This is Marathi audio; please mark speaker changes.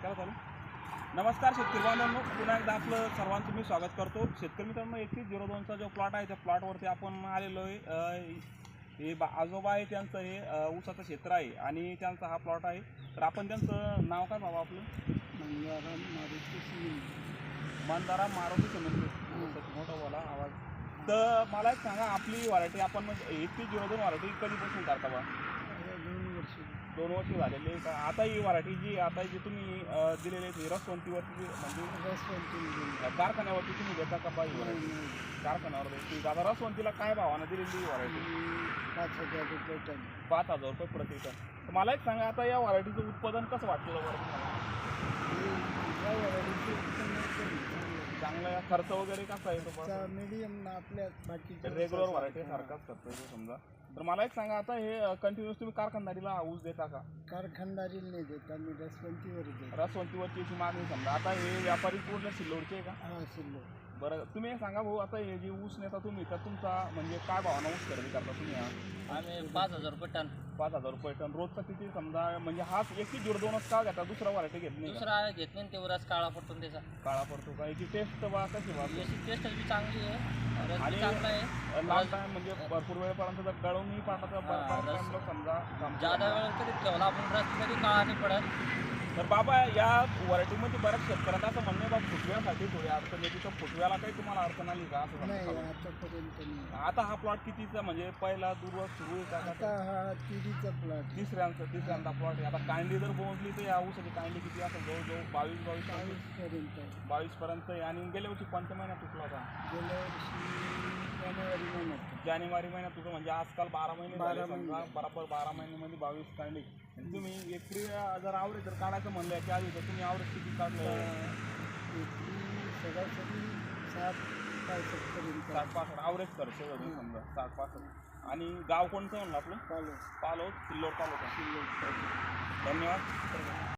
Speaker 1: काय चालू? नमस्कार शेतकरी बांधवांनो, पुन्हा एकदा आपलं सर्वांचं मी स्वागत करतो. शेतकरी मित्रांनो, 3102चा जो प्लॉट आहे त्या प्लॉटवरती आपण आलेलो आहे. हे आजोबा आहे, त्यांचं हे ऊसाचं क्षेत्र आहे आणि त्यांचा हा प्लॉट आहे. तर आपण त्यांचं नाव काय बाबा आपलं? मंदाराम मारुती सिमेंट. मोठा बोला आवाज. तर मला एक सांगा, आपली व्हरायटी आपण 3102 व्हरायटी कधीपासून करता बा? 2 वर्ष झालेले का? आता ही व्हरायटी जी आता जी तुम्ही दिलेली आहे रसवंतीवरती म्हणजे कारखान्यावरती तुम्ही देता का बा? ही व्हरायटी कारखान्यावर देते. दादा रसवंतीला काय भावानं दिलेली ही व्हरायटी?
Speaker 2: 5,000 रुपये टन.
Speaker 1: 5,000 रुपये प्रति टन. तर मला एक सांगा, आता या व्हरायटीचं उत्पादन कसं वाटतं बरं तुम्हाला? चांगला खर्च वगैरे कसा आहे तो?
Speaker 2: मीडियम आपल्या बाकी
Speaker 1: रेग्युलर व्हरायटी सारखाच करतो समजा. तर मला एक सांगा, आता हे कंटिन्युअस तुम्ही कारखानदारीला ऊस देता का?
Speaker 2: कारखानदारी नाही देत, आम्ही रसवंतीवर देतो.
Speaker 1: रसवंतीवरची मागणी समजा. आता हे व्यापारी पूर्ण सिल्लोडचे आहे का?
Speaker 2: हा, सिल्लो.
Speaker 1: बरं, तुम्ही एक सांगा भाऊ, आता हे जे ऊस नेता तुम्ही, तर तुमचा म्हणजे काय भावानं ऊस खरेदी करता तुम्ही?
Speaker 3: आम्ही 5,000 रुपये टन.
Speaker 1: 5,000 रुपये टन रोजचा किती समजा? म्हणजे हाच 3102च का घेता, दुसरा व्हरायटी घेत नाही का?
Speaker 3: दुसरा घेत नाही, तेवढाच काळा पडतो त्याचा.
Speaker 1: काळा पडतो का? याची टेस्ट बा कशी बा?
Speaker 3: याची टेस्ट बी चांगली आहे, रस
Speaker 1: आणि
Speaker 3: बी चांगला आहे.
Speaker 1: लांब टाइम म्हणजे भरपूर वेळपर्यंत जर गळूनही पाठाचं बरं समजा
Speaker 3: जादा वेळ कधी ठेवला आपण रस कधी काळा नाही पडत.
Speaker 1: तर बाबा, या व्हरायटीमध्ये बऱ्याच शेतकऱ्यांना असं म्हणणे बा, फुटव्यासाठी थोडी अडचण येते. तर फुटव्याला काही तुम्हाला अडचण आली का असं
Speaker 2: नाही,
Speaker 1: समजा?
Speaker 2: आतापर्यंत नाही.
Speaker 1: आता हा प्लॉट कितीचा म्हणजे पहिला दुर्व सुरू आहे का?
Speaker 2: आता हा तिरीचा प्लॉट.
Speaker 1: तिसऱ्यांदा प्लॉट आहे. आता कांडी जर पोहोचली तर या ऊसाची कांडी किती असेल? जवळजवळ 22 पर्यंत आहे. आणि गेल्या वर्षी कोणत्या महिन्यात तुटला होता?
Speaker 2: गेल्या वर्षी
Speaker 1: जानेवारी महिन्यात तुझं म्हणजे आजकाल 12 महिने झाले समजा. बरोबर 12 महिन्यामध्ये 22 काढली. तुम्ही एकरी जर आवरेज जर काढायचं म्हणलं याच्या आधी, तर तुम्ही आवरेज किती काढलं?
Speaker 2: सरासरी 60-65
Speaker 1: 60-65 आवरेज खर्च होतो समजा, 60-65. आणि गाव कोणतं म्हणलं आपलं?
Speaker 2: पालो.
Speaker 1: सिल्लोड तालुका. धन्यवाद.